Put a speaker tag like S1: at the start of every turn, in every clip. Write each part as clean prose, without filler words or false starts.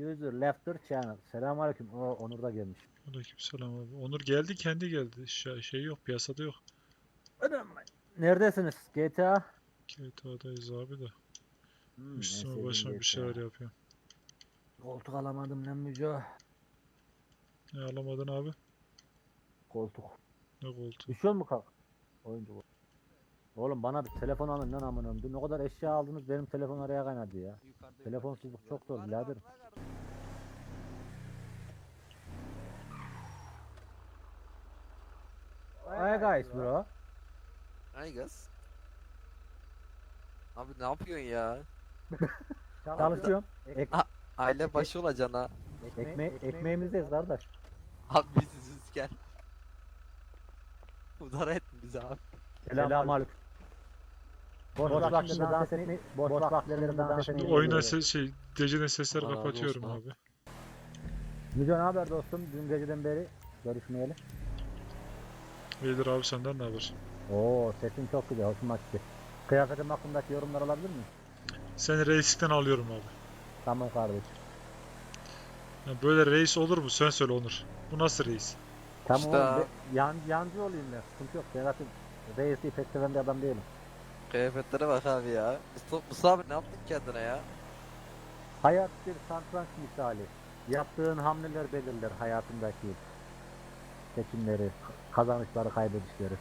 S1: User left your channel. Selamünaleyküm. O Onur da gelmiş.
S2: Aleykümselam abi. Onur geldi, kendi geldi. Şey yok, piyasada yok.
S1: Neredesiniz? GTA?
S2: GTA'dayız abi de.
S1: En
S2: Üstüme
S1: sevdiğim
S2: başıma bir
S1: GTA.
S2: şeyler yapıyorum.
S1: Koltuk alamadım lan Müco.
S2: Ne alamadın abi?
S1: Koltuk.
S2: Ne koltuğu?
S1: Düşüyor mu kalk? Oyuncu bu. Oğlum bana bir telefon alın lan amınım. Dün o kadar eşya aldınız benim telefon araya kaynadı ya. Telefonsuzluk çok zor biraderim. Hi guys bro.
S3: Hi guys. Abi ne yapıyorsun ya?
S1: Çalışıyorum.
S3: Aile başı olacaksın ha.
S1: Ekmeğimizdeyiz kardeş.
S3: Abi biziz gel. Udara etme bizi abi.
S1: Selamünaleyküm. Boş vaktinde dans etmeyi, boş vakitlerimde dans
S2: Şimdi
S1: etmeyi
S2: oyuna
S1: seviyorum.
S2: Dece'nin sesleri
S3: Allah razı
S2: kapatıyorum
S3: olsun
S2: abi.
S1: Müco ne haber dostum? Dün geceden beri görüşmeyeli.
S2: Beyler abi senden ne haber?
S1: Oo sesin çok güzel, hoşuma gitti. Kıyafetim hakkındaki yorumlar alabilir miyim?
S2: Seni reislikten alıyorum abi.
S1: Tamam kardeşim.
S2: Ya böyle reis olur mu? Sen söyle Onur. Bu nasıl reis?
S1: Tamam
S3: İşte
S1: oğlum, yancı olayım ben. Sıkıntı yok. Ben zaten reisliği pek seven bir adam değilim.
S3: Kıyafetlere bak abi ya. Mustafa abi ne yaptın kendine ya?
S1: Hayat bir satranç misali. Yaptığın hamleler belirler hayatındaki seçimleri, kazanışları, kaybedişleri.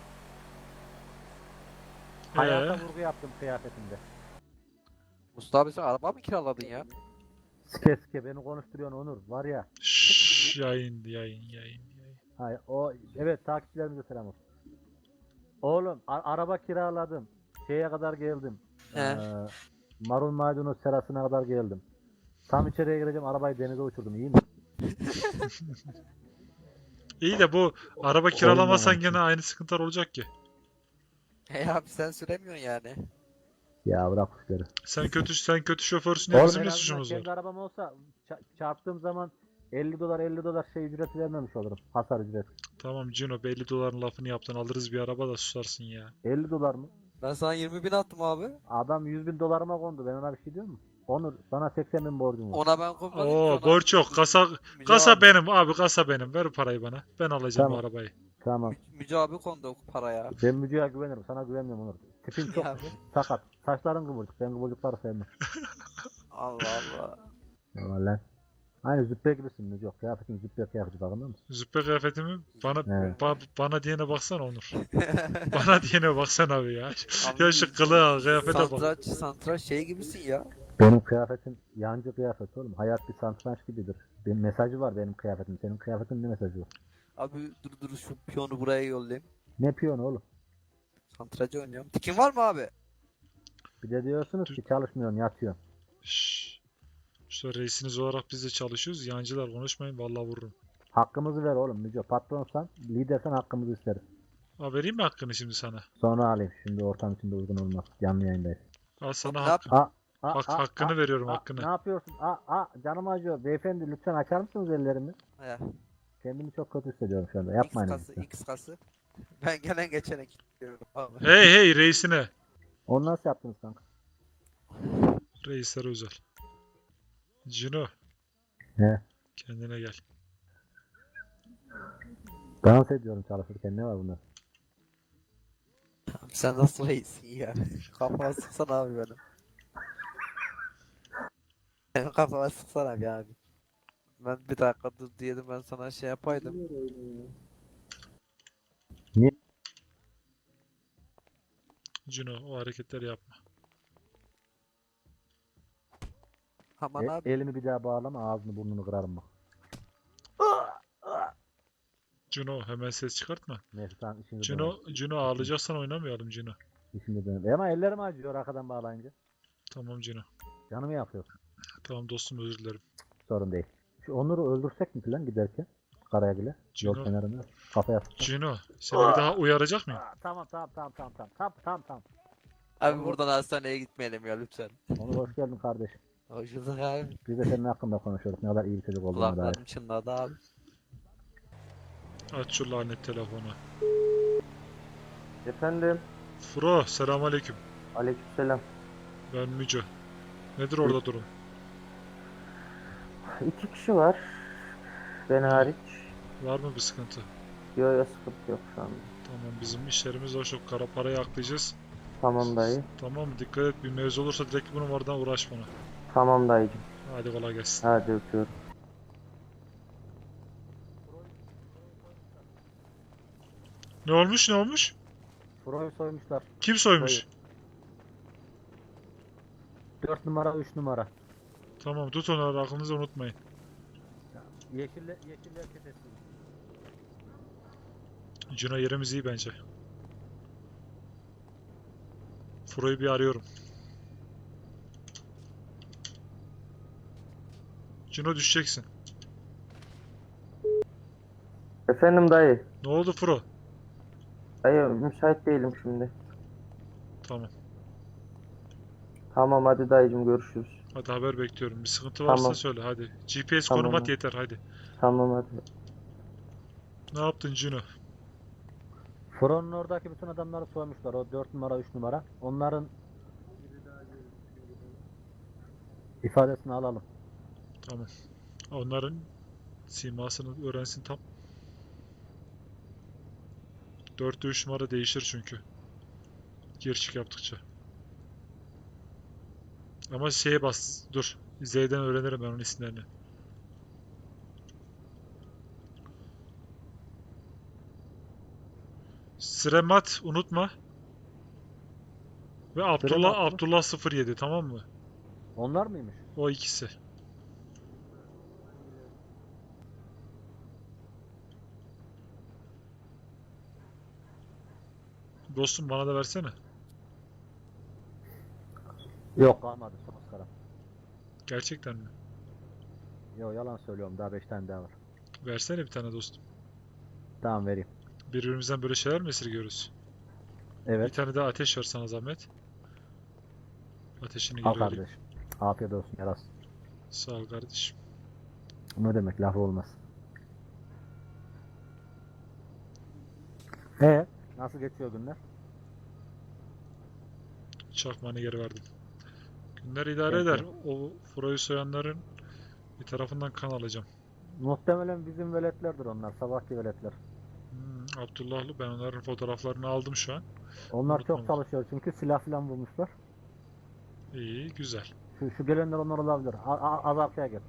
S1: Hayata vurgu yaptım kıyafetimde.
S3: Mustafa abi sen araba mı kiraladın ya?
S1: Sike sike beni konuşturuyorsun Onur. Var ya.
S2: Şşş, yayın.
S1: Hay, evet takipçilerimize selam olsun. Oğlum araba kiraladım. Şeye kadar geldim.
S3: He.
S1: Marul maydanoz serasına kadar geldim. Tam içeriye gireceğim arabayı denize uçurdum iyi mi?
S2: İyi de bu araba
S1: Oyundan
S2: kiralamasan
S1: konuştum.
S2: gene aynı sıkıntılar olacak ki.
S3: Hey abi sen süremiyorsun yani.
S1: Ya bırak işleri.
S2: Sen kötü şoförsün diye
S1: Oğlum
S2: bizim
S1: en
S2: ne
S1: azından
S2: suçumuz var?
S1: kendi arabam olsa çarptığım zaman 50 dolar şey ücreti vermemiş olurum. Hasar ücreti.
S2: Tamam Cino, 50 doların lafını yaptın, alırız bir araba da susarsın ya.
S1: 50 dolar mı?
S3: Ben sana 20.000 attım abi.
S1: Adam 100 bin dolarıma kondu. Ben ona bir şey diyor mu? Onur sana 80 bin borcum var.
S3: Ona ben koymadım ki
S2: Oo
S3: ona.
S2: borç yok,
S3: Müce
S2: kasa
S3: abi,
S2: benim abi, kasa benim, ver parayı bana, ben alacağım
S1: Tamam.
S2: o arabayı.
S1: Tamam.
S3: Müce abi kondu o paraya.
S1: Ben Müce'ye güvenirim. Sana güvenmiyorum Onur. Tipin çok
S3: Ya.
S1: sakat. Saçların kıvırcık. Ben kıvırcıkları sevmem.
S3: Allah Allah.
S1: Vallahi. Aynı züppe gibisin Müce. Kıyafetin züppe kıyafeti farkında mısın?
S2: Züppe kıyafetimi bana
S1: Evet.
S2: bana diyene baksana Onur. Bana diyene baksana abi ya.
S3: Abi,
S2: Ya şu kılığa, kıyafete bak.
S3: Santraç şey gibisin ya.
S1: Benim kıyafetim yancı kıyafet oğlum. Hayat bir satranç gibidir. Bir mesajı var benim kıyafetim. Senin kıyafetin ne mesajı var?
S3: Abi dur şu piyonu buraya yollayayım.
S1: Ne piyonu oğlum?
S3: Santracı oynuyorum. Tikin var mı abi?
S1: Bir de diyorsunuz ki çalışmıyorsun, yatıyorsun.
S2: Şşş. İşte reisiniz olarak biz de çalışıyoruz. Yancılar konuşmayın, vallahi vururum.
S1: Hakkımızı ver oğlum Müce. Patronsan, lidersen hakkımızı isteriz.
S2: Abi vereyim mi hakkını şimdi sana?
S1: Sonra alayım. Şimdi ortam içinde uygun olmaz. Canlı yayındayız.
S2: Al sana
S3: Ne
S2: hakkı. Hakkını veriyorum,
S1: Ne
S2: hakkını.
S1: yapıyorsun? Canım acıyor. Beyefendi lütfen açar mısınız ellerimi?
S3: He.
S1: Kendimi çok kötü hissediyorum şu anda. Yapmayın. lütfen.
S3: X kası. Ben gelen geçene kilitliyorum abi.
S2: Hey reisine.
S1: Onu nasıl yaptınız kanka?
S2: Reisler özel. Cino,
S1: He.
S2: kendine gel.
S1: Dans ediyorum çalışırken. Ne var bunda?
S3: Abi sen nasıl reisin ya? Kafama sıksana abi benim. Benim kafama sıksana bir abi. Ben bir dakika dur diyelim ben sana şey yapaydım.
S2: Cino, o hareketleri yapma.
S3: Aman abi.
S1: Elimi bir daha bağlama. Ağzını burnunu kırarım bak.
S2: Cino, hemen ses çıkartma.
S1: Neyse tamam işinize dönün.
S2: Cino ağlayacaksan oynamayalım Cino.
S1: İşinize dönün. Ama ellerim acıyor arkadan bağlayınca.
S2: Tamam Cino.
S1: Canımı yapıyor.
S2: Tamam dostum, özür dilerim.
S1: Sorun değil. Şu Onur'u öldürsek mi falan giderken? Karayagül'e. Yol
S2: Cino,
S1: kenarında. Kafaya sıksak.
S2: Cino, seni bir daha uyaracak mıyım?
S1: Tamam.
S3: Abi buradan hastaneye gitmeyelim ya lütfen.
S1: Onur hoş geldin kardeşim.
S3: Hoş bulduk abi.
S1: Biz de senin hakkında konuşuyoruz. Ne kadar iyi bir çocuk olduğuna dair.
S3: Kulaklarım çınladı abi.
S2: Aç şu lanet telefonu.
S4: Efendim,
S2: Fro, selamünaleyküm.
S4: aleykümselam.
S2: Ben Mücü. Nedir orada durum?
S4: İki kişi var. Ben hariç.
S2: Var mı bir sıkıntı?
S4: Yo sıkıntı yok şu anda.
S2: Tamam, bizim işlerimiz o, çok kara parayı aklayacağız.
S4: Tamam dayı.
S2: Tamam, dikkat et, bir mevzu olursa direkt bu numaradan uğraş bana.
S4: Tamam dayıcım.
S2: Hadi kolay gelsin.
S4: Hadi öpüyorum.
S2: Ne olmuş, ne olmuş?
S1: Pro'yu soymuşlar.
S2: Kim soymuş?
S1: 4 numara 3 numara.
S2: Tamam, tut onları, aklınızda unutmayın.
S1: Yeşiller kesesi.
S2: Cino, yerimiz iyi bence. Furo'yu bir arıyorum. Cino, düşeceksin.
S4: Efendim dayı.
S2: Ne oldu Furo?
S4: Dayı müsait değilim şimdi.
S2: Tamam.
S4: Tamam hadi dayıcım görüşürüz.
S2: Hadi haber bekliyorum. Bir sıkıntı varsa
S4: Tamam.
S2: söyle hadi. GPS
S4: Tamam
S2: konum at
S4: abi.
S2: yeter hadi.
S4: Tamam hadi.
S2: Ne yaptın Cino?
S1: Fro'nun oradaki bütün adamları soymuşlar. O 4 numara 3 numara. Onların ifadesini alalım.
S2: Tamam. Onların simasını öğrensin tam. 4'te 3 numara değişir çünkü. Gir çık yaptıkça. Ama şeye bas. Dur. Z'den öğrenirim ben onun isimlerini. Sremat unutma. Ve
S1: Sremat mı?
S2: Abdullah 07, tamam mı?
S1: Onlar mıymış?
S2: O ikisi. Dostum, bana da versene.
S1: Yok kalmadı son sıra.
S2: Gerçekten mi?
S1: Yok yalan söylüyorum, daha 5 tane daha var.
S2: Versene bir tane dostum.
S1: Tamam vereyim.
S2: Birbirimizden böyle şeyler mi esirgiyoruz? Bir
S1: Evet.
S2: tane daha ateş ver sana zahmet. Ateşini
S1: Al
S2: geri vereyim.
S1: kardeş. Afiyet olsun yarasın.
S2: Sağ ol kardeşim.
S1: Ne demek, lafı olmaz. Nasıl geçiyor günler?
S2: Çakmanı geri verdim. Günler idare
S1: Peki.
S2: eder. O Furo'yu soyanların bir tarafından kan alacağım.
S1: Muhtemelen bizim veletlerdir onlar. Sabahki veletler.
S2: Abdullahlı, ben onların fotoğraflarını aldım şu an.
S1: Onlar çok
S2: Unutmam.
S1: çalışıyor çünkü silah falan bulmuşlar.
S2: İyi, güzel.
S1: Şu gelenler onlar olabilir. Az arkaya gel.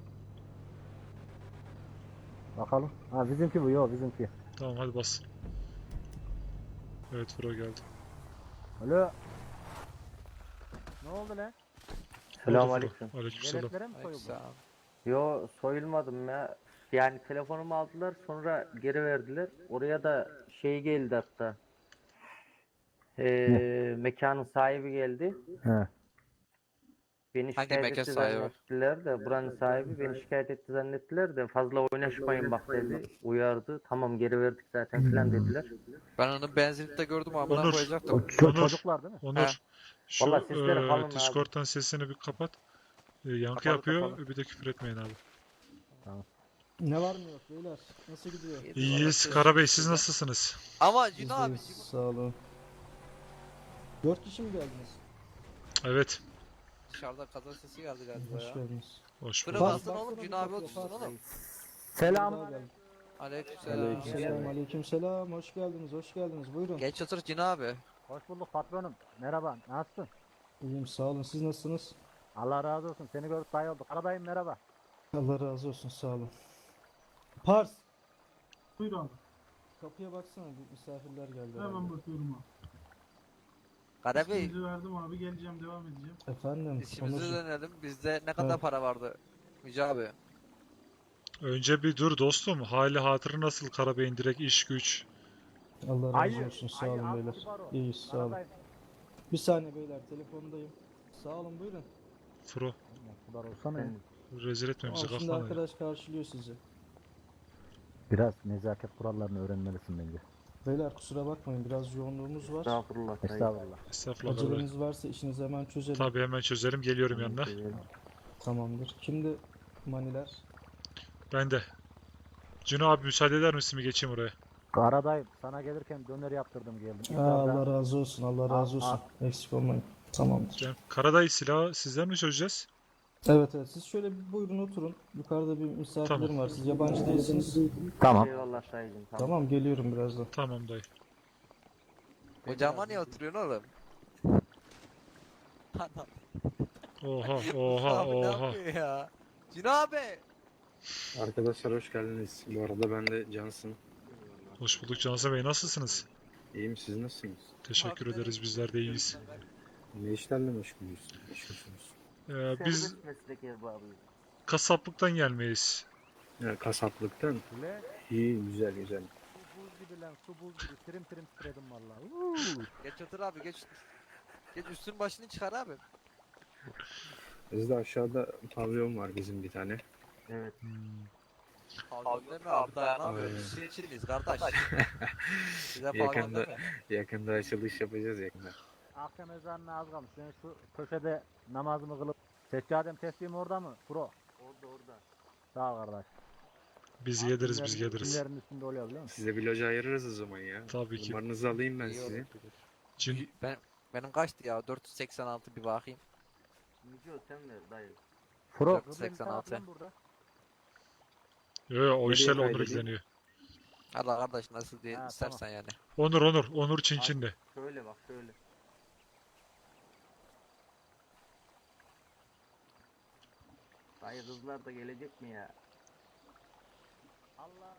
S1: Bakalım. Ha bizimki bu, yok bizimki.
S2: Tamam, hadi bas. Evet, Furo geldi.
S1: Alo. Ne oldu lan?
S4: Selamünaleyküm.
S2: Aleykümselam.
S1: Veletlere mi soyuldu?
S3: Aleykümselam.
S4: Yo soyulmadım ya. Yani telefonumu aldılar sonra geri verdiler. Oraya da şey geldi hatta. Mekanın sahibi geldi.
S1: He.
S3: Hangi
S4: Beni şikayet
S3: mekan
S4: etti
S3: sahibi?
S4: zannettiler de buranın sahibi beni şikayet etti zannettiler de fazla oynaşmayın bak dedi. Uyardı. Tamam geri verdik zaten filan dediler.
S3: Ben onu benzinlikte gördüm amına
S2: Onur.
S3: koyacaktım.
S2: Onur.
S1: Çocuklar değil mi?
S2: Onur. Şu
S4: Vallahi sesleri kalın abi.
S2: Discord'dan sesini bir kapat. Yankı
S4: Kapalı,
S2: yapıyor.
S4: kapalı.
S2: Bir de küfür etmeyin abi.
S5: Ne var mı yok beyler? Nasıl gidiyor?
S2: İyiyiz. Karabey, siz nasılsınız?
S3: Ama
S5: Biz
S3: Cino abi
S5: deyiz, sağ olun. 4 kişi mi geldiniz?
S2: Evet.
S3: dışarıda kaza sesi geldi galiba
S5: Hoş
S3: ya.
S5: geldiniz.
S2: Hoş
S3: Fırın
S2: bulduk.
S3: bastın oğlum, Cino abi otursun oğlum.
S1: Selam.
S3: Aleykümselam.
S5: Aleykümselam, aleykümselam. Hoş geldiniz, hoş geldiniz. Buyurun.
S3: Geç otur Cino abi.
S1: Hoş bulduk patronum. Merhaba. Nasılsın?
S5: İyiyim, sağ olun. Siz nasılsınız?
S1: Allah razı olsun. Seni gördük daha iyi olduk. Aradayım, merhaba.
S5: Allah razı olsun, sağ olun. Pars,
S6: Buyur abi.
S5: kapıya baksana. Bir misafirler geldi.
S6: Hemen
S5: herhalde.
S6: bakıyorum abi.
S3: Karabey,
S6: İsminizi verdim abi. Geleceğim, devam edeceğim.
S5: Efendim,
S3: işimize
S5: Onurcuğum.
S3: dönelim. Bizde ne kadar
S5: Evet.
S3: para vardı Müce abi?
S2: Önce bir dur dostum. Hali hatırı nasıl Karabey'in, direkt iş güç?
S5: Allah razı
S1: Ayı,
S5: olsun, sağ
S1: ayı,
S5: olun
S1: al
S5: beyler.
S1: kibar ol.
S5: İyiyiz, sağ olun.
S1: Aradayım.
S5: Bir saniye beyler, telefondayım. Sağ olun, buyurun.
S2: Furo.
S1: Kibar olsana ya.
S2: Rezil etme bizi,
S5: Al, şimdi
S2: kalk lan ya.
S5: arkadaş karşılıyor sizi.
S1: Biraz nezaket kurallarını öğrenmelisin bence.
S5: Beyler kusura bakmayın, biraz yoğunluğumuz var.
S4: Estağfurullah. dayı.
S1: Estağfurullah.
S2: Estağfurullah Karabey.
S5: Aceleniz varsa işinizi hemen çözelim.
S2: Tabii, hemen çözerim. Geliyorum yanına.
S5: Tamamdır. Kimdi maniler?
S2: Ben de. Cino abi, müsaade eder misin, bir geçeyim oraya?
S1: Aradayım. Sana gelirken döner yaptırdım geldim.
S5: Allah razı olsun, Allah razı
S1: Al,
S5: olsun. Eksik olmayın. Tamamdır.
S2: Cem, Karaday, silahı sizden mi çözeceğiz?
S5: Evet evet, siz şöyle bir buyurun oturun. Yukarıda bir misafirlerim
S2: Tamam.
S5: var. Siz yabancı değilsiniz.
S1: Tamam.
S4: Eyvallah dayıcım. Tamam.
S5: Tamam, geliyorum birazdan.
S2: Tamam dayı.
S3: Hocama niye oturuyorsun oğlum? Adam.
S2: Oha oha
S3: Abi ne
S2: oha.
S3: yapıyor ya? Cino abi.
S7: Arkadaşlar hoş geldiniz. Bu arada ben de Cansın.
S2: Hoş bulduk Cansu Bey, nasılsınız?
S7: İyiyim, siz nasılsınız?
S2: Teşekkür
S3: Abi
S2: ederiz, bizler de iyiyiz.
S7: Ne işlerle meşgulsünüz?
S2: Biz
S4: Serbest meslek erbabıyız.
S2: kasaplıktan gelmeyiz.
S7: Ya, kasaplıktan.
S1: Ulan
S7: İyi, güzel güzel.
S1: su buz gibi lan, su buz gibi. Trim trim titredim valla.
S3: Geç otur abi geç. Geç üstün başını çıkar abi.
S7: Bizde aşağıda pavyon var bizim bir tane.
S4: Evet.
S2: Hmm.
S3: Pavyon deme abi dayanamıyor.
S7: Aynen.
S3: Biz içindeyiz kardeş. Size pavyon
S7: Yakında,
S3: deme.
S7: yakında açılış yapacağız yakında.
S1: Akşam ezanına az kalmış. Ben şu köşede namazımı kılıp seccadem teslim orada mı? Pro.
S4: Orada.
S1: Sağ ol kardeş.
S2: Biz geliriz, biz
S1: Kimlerin-
S2: geliriz.
S1: Kimlerin üstünde oluyor biliyor musun?
S7: Size bir loca ayırırız o zaman ya.
S2: Tabii ki.
S7: Numaranızı alayım ben
S3: İyi
S7: sizi.
S3: olur.
S2: Cin,
S3: Benim kaçtı ya? 486 bir bakayım.
S4: Müco sen ver dayı.
S1: Pro.
S3: 486.
S1: Kıbrıs burada.
S2: yo, yo, o
S7: Nereye
S2: işlerle Onur
S7: kaydedeyim?
S2: ilgileniyor.
S3: Allah kardeş nasıl diye
S1: Ha,
S3: istersen yani.
S2: Onur Çin Çin'de.
S4: Şöyle bak şöyle. Dayı kızlar da gelecek mi ya?
S1: Allah.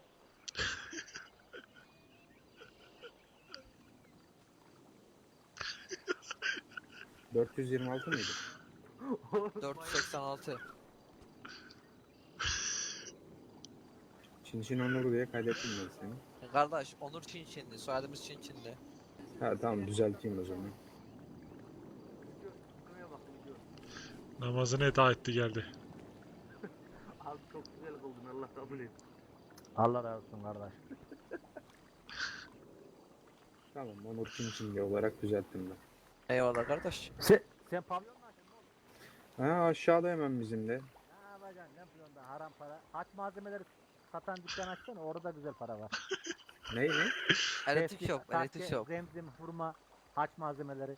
S7: 426 mıydı?
S3: 486.
S7: Çin Onur diye kaydettim ben seni.
S3: Kardeş Onur Çinçinli. Soyadımız Çinçinli.
S7: Ha tamam, düzelteyim o zaman.
S4: Şuraya bak Müco.
S2: Namazını eda etti geldi.
S4: Abi çok güzel kıldın Allah kabul et.
S1: Allah razı olsun kardeş.
S7: Tamam, Onur Çin olarak düzelttim ben.
S3: Eyvallah kardeş.
S1: Sen pavyon mu açtın oğlum?
S7: Ha, aşağıda hemen bizim de.
S1: Ne yapacaksın? Ne yapıyorsun da haram para? Haç malzemeleri satan dükkan açsana, orada güzel para var.
S7: Ne?
S3: Elektrik
S1: Tespih,
S3: shop,
S1: takke,
S3: elektrik shop.
S1: Zemzem, hurma, haç malzemeleri.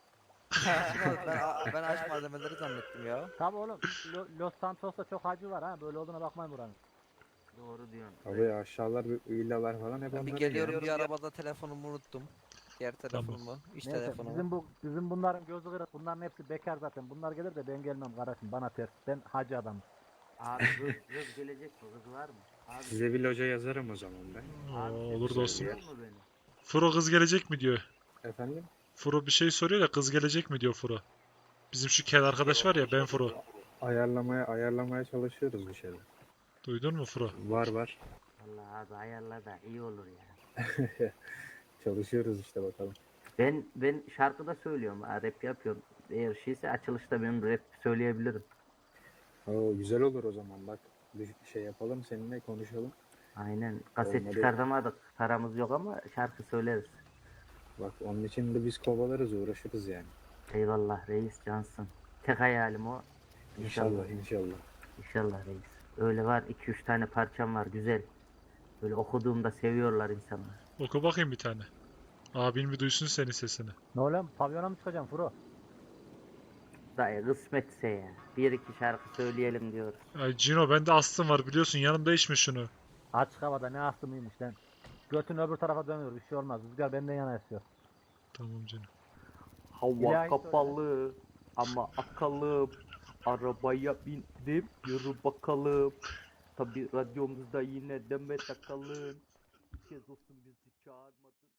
S3: Ben aç malzemeleri zannettim ya.
S1: Tabi oğlum, Los Santos'ta çok hacı var ha, böyle olduğuna bakmayın buranın.
S4: Doğru diyorsun.
S7: Abi aşağılar, villalar falan hep
S3: Ben bir
S7: onların
S3: geliyorum
S7: ya.
S3: bir arabada telefonumu unuttum. Diğer telefonumu, iş
S1: Neyse,
S3: telefonumu.
S1: bizim bunların gözü kırık, bunların hepsi bekar zaten. Bunlar gelir de ben gelmem kardeşim, bana ters. Ben hacı adamım.
S4: Abi kız gelecek mi? Kız var mı? Abi,
S7: Size bir loca yazarım o zaman ben.
S2: Oo,
S4: abi
S2: olur
S4: sen
S2: dostum.
S4: seviyor musun beni?
S2: Furo kız gelecek mi diyor.
S7: Efendim?
S2: Furo bir şey soruyor da kız gelecek mi diyor Furo. Bizim şu kel arkadaş var ya, ben Furo.
S7: Ayarlamaya çalışıyoruz bir şeyler.
S2: Duydun mu Furo?
S7: Var.
S4: Allah abi ayarla da iyi olur ya.
S7: Çalışıyoruz işte, bakalım.
S4: Ben şarkıda söylüyorum. Ha, rap yapıyorum. Eğer şeyse açılışta ben rap söyleyebilirim.
S7: Oo, güzel olur o zaman, bak. Bir şey yapalım, seninle konuşalım.
S4: Aynen. Kaset
S7: Olmadı.
S4: çıkartamadık. Paramız yok ama şarkı söyleriz.
S7: Bak, onun için de biz kovalarız, uğraşırız yani.
S4: Eyvallah reis cansın. Tek hayalim o.
S7: İnşallah.
S4: İnşallah reis. Öyle var 2-3 tane parçam var güzel. Böyle okuduğumda seviyorlar insanlar.
S2: Oku bakayım bir tane. Abin bir duysun senin sesini.
S1: Ne oğlum, pavyona mı çıkacaksın Furo?
S4: Dayı kısmetse ya. 1-2 şarkı söyleyelim diyoruz.
S2: Ay Cino, bende astım var biliyorsun, yanımda içme şunu.
S1: Açık havada ne astımıymış lan. Götün öbür tarafa dönüyor, bir şey olmaz. Rüzgar benden yana esiyor.
S2: Tamam Cino.
S4: Hava
S1: İlahi
S4: kapalı ama akalım. Arabaya bindim yürü bakalım. Tabi radyomuzda yine Demet Akalın. Bir kez olsun bizi çağırmadın.